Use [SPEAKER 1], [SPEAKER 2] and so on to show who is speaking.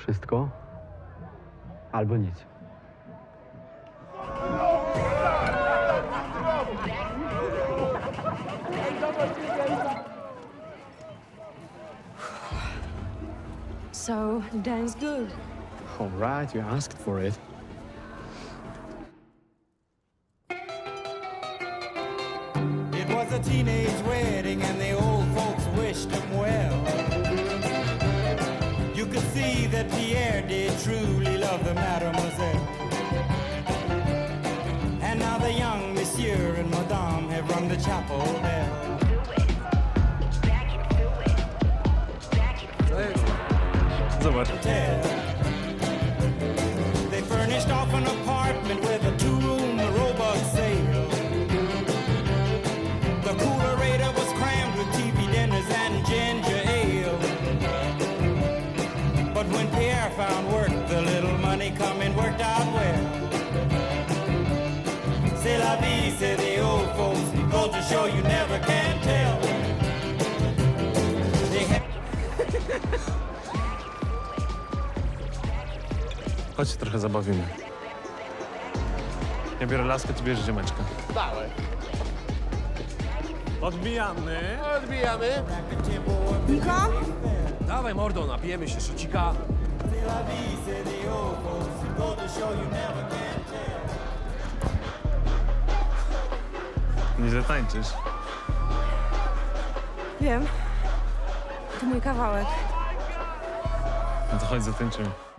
[SPEAKER 1] wszystko, albo nic.
[SPEAKER 2] So, dance good.
[SPEAKER 1] All right, you asked for it.
[SPEAKER 3] It was a teenage wedding and the old folks wished him well. You could see that Pierre did truly love the mademoiselle. And now the young monsieur and madame have rung the chapel bell.
[SPEAKER 4] Zobacz.
[SPEAKER 3] They furnished off an apartment with a two-room robot sale. The coolerator was crammed with TV dinners and ginger ale. But when Pierre found work, the little money coming worked out well. C'est la vie, say the old folks. Go to show you never can tell. They had
[SPEAKER 4] Chodź się trochę zabawimy. Ja biorę laskę, ty bierzesz ziomeczkę.
[SPEAKER 5] Dawaj.
[SPEAKER 4] Odbijamy.
[SPEAKER 5] Odbijamy.
[SPEAKER 2] Niko?
[SPEAKER 5] Dawaj, mordo, napijemy się szocika.
[SPEAKER 3] C'est la vie, say the old folks. Go to show you never can tell.
[SPEAKER 4] Nie zatańczysz.
[SPEAKER 2] Wiem. To mój kawałek.
[SPEAKER 4] No to chodź, zatańczymy.